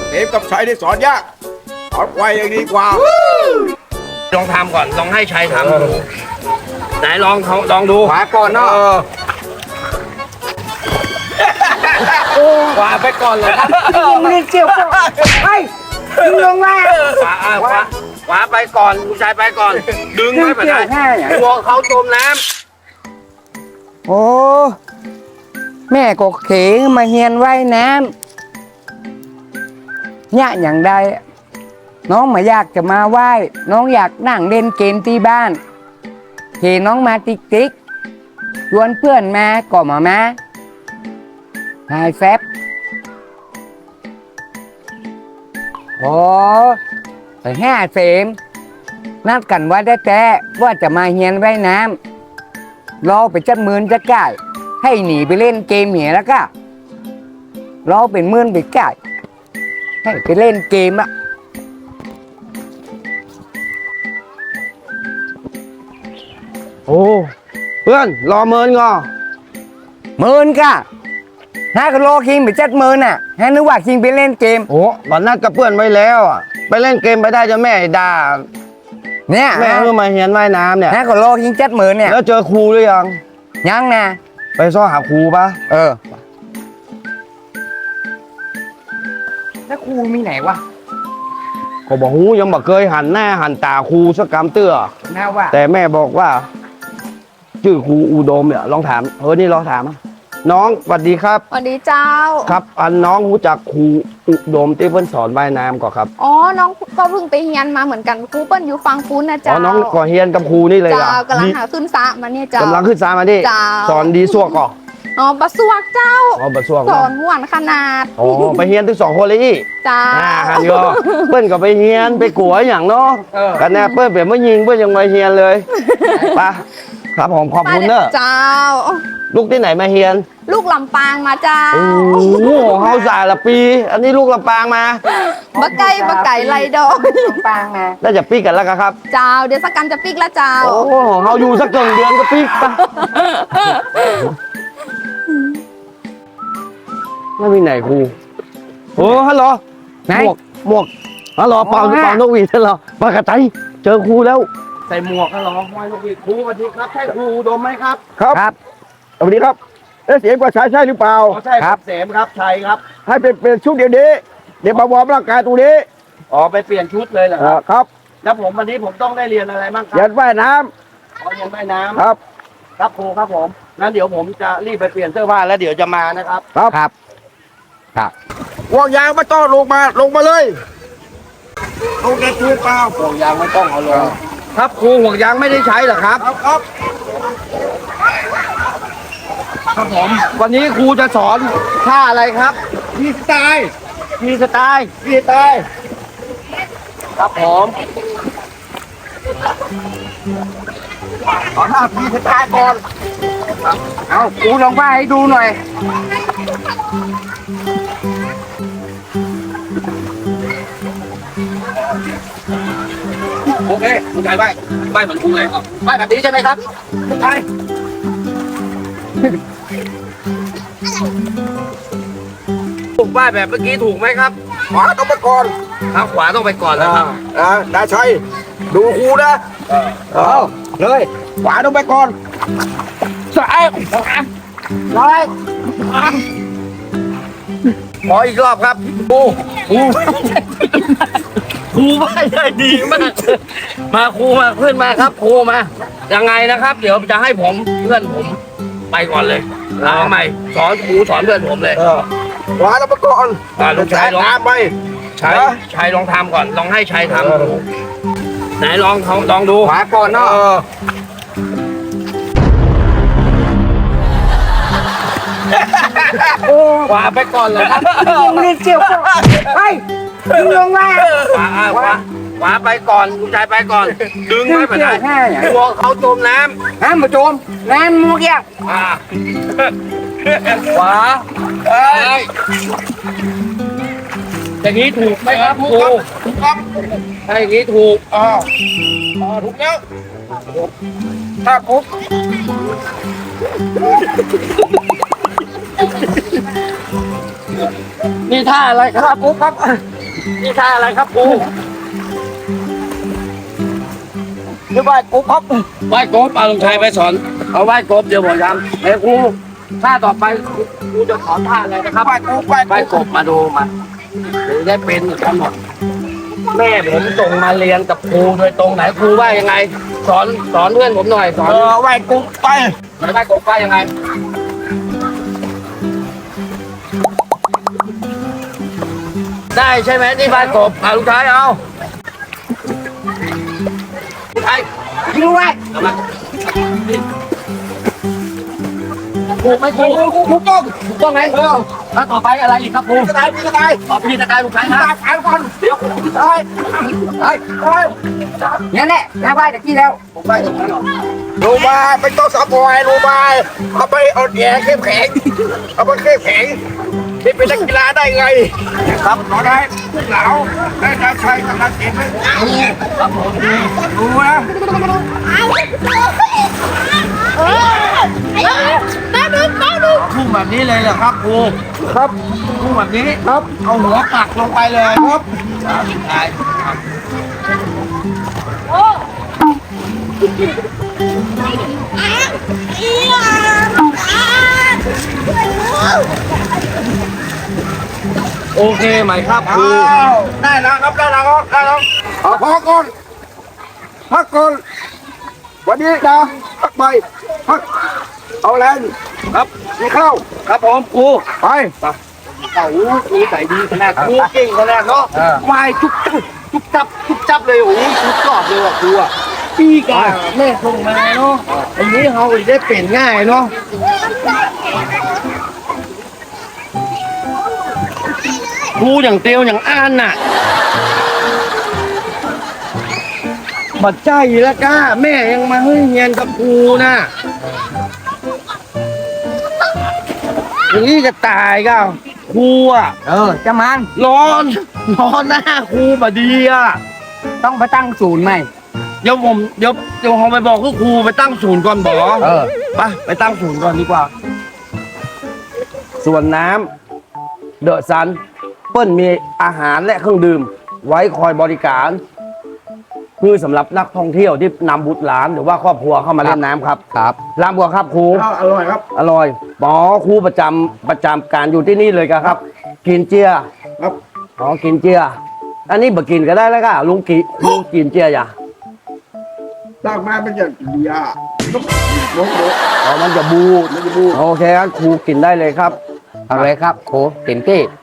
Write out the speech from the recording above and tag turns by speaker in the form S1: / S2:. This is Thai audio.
S1: เอ็มกับชัยได้สอนยากสอนไวอย่างดีกว่า
S2: ลองทำก่อนลองให้ชัยทำไหนลองดู
S1: ขวาก่อนเนาะ
S2: ขวาไปก่อนเลยครับ
S3: ไม่ได้เจียวก็ไปดึงลงมา
S2: ขวาไปก่อนคุณชายไปก่อนดึงไม่เป็นไรกลัวเขาจมน้ำ
S3: โอ้แม่ก็เขงมาเฮียนว่ายน้ำเนี่ยอย่างใดน้องมาอยากจะมาไหว้น้องอยากนั่งเล่นเกมที่บ้านเห็นน้องมาติ๊กชวนเพื่อนมาก็มาไฮแฟบโอ้ไป5 เสมนัดกันว่าแต่ว่าจะมาเฮียนว่ายน้ำรอไปจัดมืนจะก่ายให้หนีไปเล่นเกมเหียแล้วก็รอเป็นมื่นไปก่ายให้ไปเล่นเกมอะ
S2: โอ้เพื่อนรอเมินก่อน
S3: มื่นก็ให้ก็รอคิงไปจัดมืนอ่ะให้นึกว่าคิงไปเล่นเกม
S2: โอ้วันนัดกับเพื่อนไว้แล้วอ่ะไปเล่นเกมไปได้จะแม่ด่า
S3: เนี่ย
S2: แม่เพิ่งมาเฮียนว่ายน้ำเนี่ย
S3: ให้ก็รอคิงจัดมืนเนี่ย
S2: แล้วเจอครูหรือยัง
S3: ยังนะ
S2: ไปซ้อหาครูปะ
S3: แล้วครูมีไหนวะ
S2: เขาบอกหูยังบอกเคยหันหน้าหันตาครูสักกำเตื้อ
S3: น่าว่า
S2: แต่แม่บอกว่าชื่อครูอุดมเนี่ยลองถามนี่ลองถามน้องสวัสดีครับ
S4: สวัสดีเจ้า
S2: ครับน้องรู้จักครูอุดมที่เพิ่นสอนว่ายน้ำก่อนครับ
S4: อ๋อน้องก็เพิ่งไปเฮียนมาเหมือนกันครูเปิ้ลอยู่ฟังฟูนนะเจ้า
S2: น้องก่อเฮียนกับครูนี่เลย
S4: เจ้ากำลังหาขึ้นซะมาเนี่ยเจ้าก
S2: ำลังขึ้นซามาดิสอนดีสั่วก่อน
S4: อ๋อบะสวกเจ้า
S2: บะสวก
S4: สอนม่วนขนาด
S2: ไปเฮียนทั้ง2 คนเลยอี
S4: จ้า
S2: คันก็เปิ้ลก็ไปเฮียนไปกัวอย่างเนาะกันแน่เปิ้ลเปลี่ยนมายิงเปิ้ลยังมาเฮียนเลยป่ะครับผมขอบคุณเนอะ
S4: เจ้า
S2: ลูกที่ไหนมาเฮียน
S4: ลูกลำปางมาเจ้า
S2: โอ้โหเฮาสาละปีอันนี้ลูกลำปางมา
S4: บะไก่ไรดอก
S3: ลำปางมา
S2: แล้วจะปีกันแล้วครับ
S4: เจ้าเดี๋ยวสักกันจะปีกแล้วเจ้า
S2: โอ้เฮาอยู่สัก1 เดือนก็ปีกปะไม่มีไหนครูโอ้ฮัลโหลหมวกฮัลโหลเป่านกหวีดฮัลโหลปากกระไตเจอครูแล้วใส่หมวกฮัลโหลห้อยนกหวีดครูสวัสดีครับใช่ครูอุดมไหมครับ
S1: ครับสวัสดีครับเสียงกว่าชายใช่หรือเปล่า
S2: ใช่ครับเสมครับชัยครับ
S1: ให้เป็นชุดเดี๋ยวนี้เดี๋ยวมาวอร์มร่างกายตรงนี้
S2: ไปเปลี่ยนชุดเลยเหรอ
S1: ครับ
S2: แล้ววันนี้ผมต้องได้เรียนอะไรบ้างครับ
S1: เรียนว่ายน้
S2: ำเรียนว่ายน้ำ
S1: ครับ
S2: ครับครูครับผมงั้นเดี๋ยวผมจะรีบไปเปลี่ยนเสื้อผ้าแล้วเดี๋ยวจะมานะครับ
S3: ครับ
S1: ห่วงยางไม่ต้องลงมาเลยลงแต่ตัวเปล่า
S2: ห่วงยางไม่ต้องเอาลงครับครูห่วงยางไม่ได้ใช้เหรอครับครับผมวันนี้ครูจะสอนท่าอะไรครับ
S1: มีสไตล์
S2: ครับผม
S1: สอนท่ามีสไตล์ก่อน
S3: เอาครูลองว่าให้ดูหน่อย
S2: โอเคคุณชายไหว้เหมือนครูเลยไหว้แบบนี้ใช่ไหมครับใช่ถูกไหว้แบบเมื่อกี้ถูกไหมครับ
S1: ขวาต้องไปก่อน
S2: ครับขวาต้องไปก่อนแล้วครับ
S1: ดาชัยดูครูนะเลยขวาต้องไปก่อน
S2: ซ้ายร้อยขออีกรอบครับครูไหว้ได้ดีมากมาครูมาเพื่อนมาครับครูมายังไงนะครับเดี๋ยวจะให้ผมเพื่อนผมไปก่อนเลยเอาใหม่สอนครูสอนเพื่อนผมเลย
S1: ขวาต้องไปก่อน
S2: ลูกชายลอง
S1: ไป
S2: ชัยลองทำก่อนลองให้ชัยทำไหนลองดู
S1: ขวาก่อนเนาะ
S2: ขวาไปก่อนเลยครับ
S3: ไม่ได้เจียวก็ไปดึงลงมา
S2: ขวาไปก่อนลูกชายไปก่อนดึงไม่เป็นไรกลัวเขาจมน้
S3: ำมาจมน้ำมุกยาก
S2: ขวาอย่างนี้ถูกไหมครับครู
S1: ถูกครับ
S2: ถ้าอย่างนี้ถูก
S1: ถูกแล้วถ้าปุ๊บ
S2: นี่ท่าอะไรครับปุ๊บครับนี่ท่าอะไรครับครู
S1: นี่ไหว้กูครับ
S2: ไหว้กบเอาลุงชัยไปสอนเอาไหว้กบเดี๋ยวบอกย้ำเฮ้ยครูท่าต่อไปครูจะสอนท่าอะไรนะครับ
S1: ไหว้กูไหว้
S2: ไหว้กบมาดูมาหรือได้เป็นกันหมดแม่ผมส่งมาเรียนกับครูโดยตรงไหนครูว่ายังไง สอนเพื่อนผมหน่อยสอน
S1: ไหว้กูไป
S2: ไหว้กบว่ายังไง ได้ใช่ไหมที่บ้านกบเอาลุงชัยเอาลุงชัย
S3: ยิงไว้
S2: เอามาถูกไหมครู
S1: กูต้อง
S2: ถูกต้องไหมแล้วต่อไปอะไรอีกครับครู
S1: จะตายพี่จะตาย
S2: ต่อพี่ตะกายลุงชัยนะ
S1: ตายก่อนเดี๋ยวตายตายตาย
S3: นั่นแหละน้าไหว้ตะกี้แล้ว
S2: ผมไปตรงนั้นหรอ
S1: รูมาเป็นตัวสับวายรูมาเอาไปเอาแย่เข้มแข็งเอาไปเข้มแข็งที่เป็นนักกีฬาได้ไงครับขอได้เหลาได้ดาวชัยกำลังเก่งไหมดูนะ
S2: พุ่งแบบนี้เลยเหรอครับครู
S1: ครับ
S2: พุ่งแบบนี้
S1: ครับ
S2: เอาหัวปักลงไปเลย
S1: ครับ
S2: ได้ โอเคไหมครับครู
S1: อ้าวได้แล้วครับได้แล้วครับได้แล้วเอาพอก่อนพักก่อนวันนี้นะพักไปพักเอาแรง
S2: ครับ
S1: มีข้าว
S2: ครับผมครู
S1: ไป
S2: เอาครูใส่ดีขนาดครูเก่งขนาดเนาะวายจุบจับเลยโอ้ยสุดยอดเลยว่ะครูอ่ะพี่กาแม่ส่งมาเนาะอันนี้เขาได้เปลี่ยนง่ายเนาะครูอย่างเตียวอย่างอ่านน่ะบัดใจแล้วก้าแม่ยังมาให้เรียนกับครูน่ะอย่างนี้จะตายก้าครูอ่ะ
S3: จะมัน
S2: ร้อนหน้าครูบดีอ่ะ
S3: ต้องไปตั้งศูนย์ใหม่
S2: เดี๋ยวผมไปบอกคือครูไปตั้งศูนย์ก่อนบอไปตั้งศูนย์ก่อนดีกว่า ส่วนน้ำเดอะซันเปิ้ลมีอาหารและเครื่องดื่ม ไว้คอยบริการคือสำหรับนักท่องเที่ยวที่นำบุตรหลานหรือว่าครอบครัวเข้ามาเล่นน้ำครับ
S3: ครับ
S2: ลำบัวครับครู
S1: ข้าวอร่อยครับ
S2: อร่อยหมอครูประจำการอยู่ที่นี่เลยครับ กินเจีย
S1: ครับ
S2: อ๋อกินเจีย อันนี้บ่กินก็ได้แล้วก็ลุงกินเจียอย่า
S1: ตั้งมาเป็นอย่างดีอ่ะลง
S2: อ๋อมันจะบูดโอเคงั้นครูกินได้เลยครับ
S3: เอาเลยครับโคเต็มที่